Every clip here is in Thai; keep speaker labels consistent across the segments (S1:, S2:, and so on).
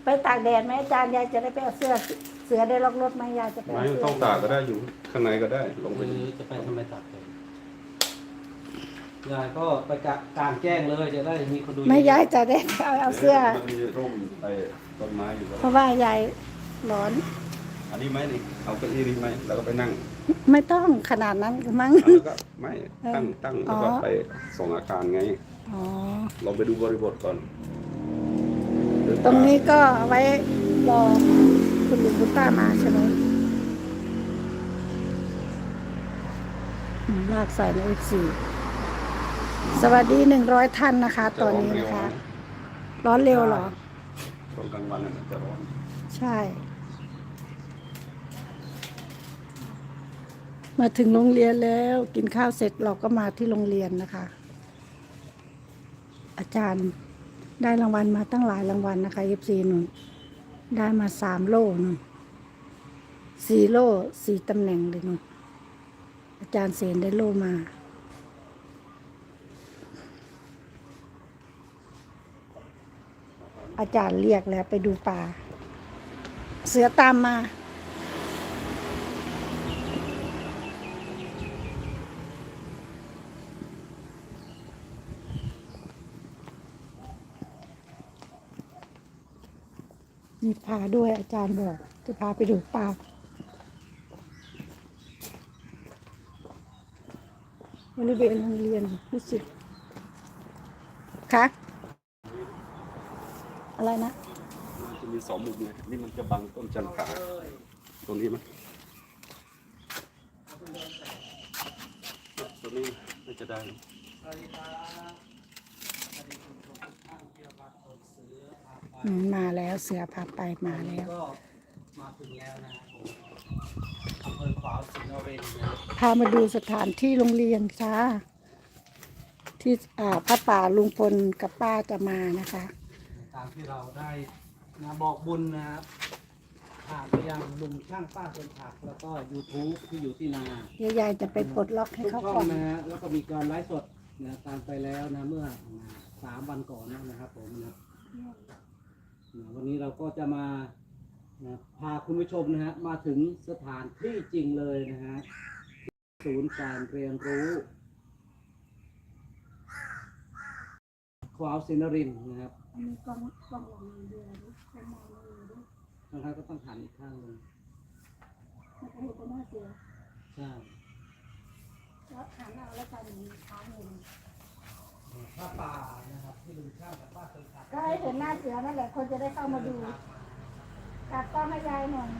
S1: ไปตากแดดไหมอาจารย์ยายจะได้ไปเอาเสือได้ล็อกรถไหมยายจะไป
S2: ไม่
S1: เอาเสื้อ
S2: ต้องตากก็ได้อยู่ข้างในก็ได้ลงไป
S3: จะไปทำไมตัดเลยยายก็ไปกลางแจ้งเลยจะได้มีคนดู
S1: ไม่ยายจะได้เอาเสื้อ
S2: มันมีร่มไอ้ต้นไม้อยู่แล้ว
S1: เพราะว่ายายร้อน
S2: อันนี้ไหมนี่เอาเก้าอี้นี้ไหมแล้วก็ไปนั่ง
S1: ไม่ต้องขนาดนั้นมั้ง
S2: แล้วก็ไม่ตั้ง
S1: อ๋
S2: แล้
S1: อ
S2: วก็ไปส่งอาคารไง
S1: อ๋อ
S2: ลองไปดูบริบทก่อน
S1: ตรงนี้ก็เอาไว้รอคุณลุงคุณป้ามาใช่ไหมลากใส่ในF4สวัสดี100ท่านนะคะ ตอนนี้นะคะ ร้อนเร็วเหรอ
S2: ตอนกลางวันน่ะมันจะร้อน
S1: ใช่ มาถึงโรงเรียนแล้วกินข้าวเสร็จเราก็มาที่โรงเรียนนะคะ อาจารย์ได้รางวัลมาตั้งหลายรางวัลนะคะFCหนุ่นได้มา3 โล่นุ่น4 โล่4 ตำแหน่งเลยนุ่นอาจารย์เสนได้โล่มา อาจารย์เรียกแล้วไปดูป่า เสือตามมา มีพาด้วยอาจารย์บอกจะพาไปดูป่าบริเวณโรงเรียนรู้สึกคะอะไรนะ
S2: มันจะมี2 มุมไงนี่มันจะบังต้นจันทราตรงนี้มั้ยตรงนี้น่าจะได้
S1: มาแล้วเสือพาไปมาแล้ว
S3: ก็มาถึงแล้วนะอำเภอขวาวสิงห์นรินทร์นะ
S1: พามาดูสถานที่โรงเรียนค่ะที่พระป่าลุงพลกับป้าจะมานะคะ
S3: ตามที่เราได้นะบอกบุญนะครับผ่านไปยังลุงช่างป้าคนผักแล้วก็ YouTube ที่อยู่ที่นา
S1: เดี๋ยวยายจะไปปลดล็อกให้
S3: ทุก
S1: เขา
S3: ช่อ
S1: ก่อง น
S3: นะฮะแล้วก็มีการไลฟ์สดนะตามไปแล้วนะเมื่อ3 วันก่อนนะครับผมนะวันนี้เราก็จะมานะพาคุณผู้ชมนะฮะมาถึงสถานที่จริงเลยนะฮะศูนย์การเรียนรู้ขวาวสินนรินทร์นะครับ
S1: มีกล้องหลังเดือนข้างหน้าเลยด้วย
S3: บางครั้งก็ต้องหันอีกข้างหนึง
S1: มันจะเห็นเป็นหน้าเสือ
S3: ใช่
S1: แล้วหันเอาแล้วกันมีค้างอยู่
S3: ผ้าป่านะครับที่ลุงช่างกับป้าคนผัก
S1: ก็ให้เห็นหน้าเสือนั่นแหละคนจะได้เข้ามาดูกลับต้องให้ยายหน่อย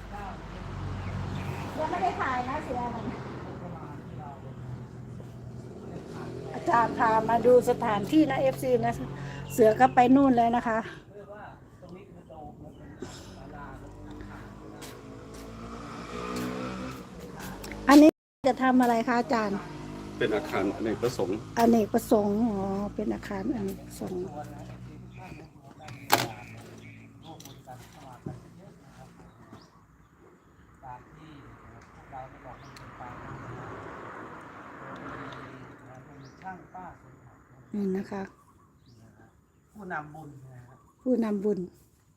S1: ยังไม่ได้ถ่ายนะเสือมันอาจารย์พามาดูสถานที่นะFCนะเสือก็ไปนู่นแล้วนะคะ อันนี้จะทำอะไรคะอาจารย์
S2: เป็นอาคารอเนกประสงค์
S1: อเนกประสงค์อ๋อเป็นอาคารอเนกประสงค์นี่นะคะ
S3: ผู้นำบุญนะครับ
S1: ผู้นำบุญ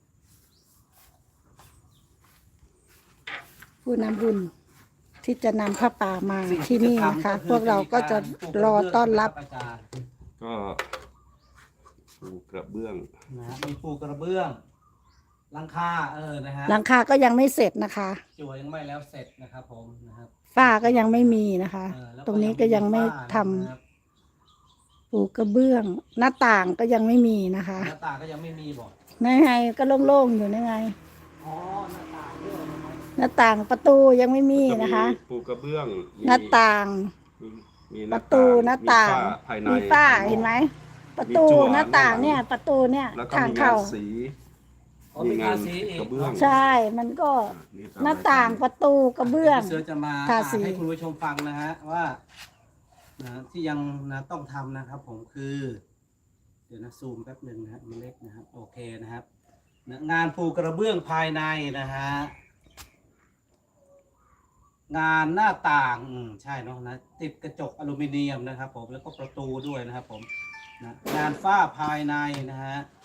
S1: ผู้นำบุญที่จะนำผ้าป่ามาที่นี่นะคะ พวกเราก็จะรอต้อนรับ
S3: อาจารย์
S2: ก็ปูกระเบื้อง
S3: นะฮะมีปูกระเบื้องหลังคานะฮะ
S1: หลังคาก็ยังไม่เสร็จนะคะ
S3: จั่วยังไม่แล้วเสร็จนะครับผมนะครับ
S1: ฝ้าก็ยังไม่มีนะคะ
S3: แล้ว
S1: ตรงนี้ก็ยังไม่ทำ
S3: นะครับ
S1: ปูกระเบื้อง หน้าต่างก็ยังไม่มีนะคะ
S3: หน้าต่างก็ยังไม่มีบอก
S1: นั่นไงก็โล่งๆอยู่นั่นไง
S3: อ๋อหน้าต่างด้วยนะครับ
S1: หน้าต่างประตูยังไม่มีนะคะ
S2: ปูกระเบื้องมี
S1: หน้าต่าง
S2: มี
S1: ประตูหน้าต่าง
S2: มีฝ้ภายใน
S1: มีฝ้าเห็นไหมประตู
S2: มีจั่ว
S1: หน้าต่าง
S2: หน้าต่าง
S1: เนี่ย ประตูเนี่ย
S2: แล้วก็
S1: ทาง
S2: มีงา
S1: เข้าน
S2: สี
S3: อ๋อมีทาสีอีก
S2: กระเบื้อง
S1: ใช่มันก็หน้าต่างประตูกระเบื้อง
S3: พี่เสือจะมา
S1: ทาสี
S3: ให้คุณผู้ชมฟังนะฮะว่านะที่ยังนะต้องทำนะครับ ผมคือ เดี๋ยวนะซูมแป๊บหนึ่งนะฮะมันเล็กนะครับโอเคนะครับนะงานปูกระเบื้องภายในนะฮะงานหน้าต่างใช่เนาะนะติดกระจกอลูมิเนียมนะครับ ผมแล้วก็ประตูด้วยนะครับ ผมนะงานฝ้าภายในนะฮะ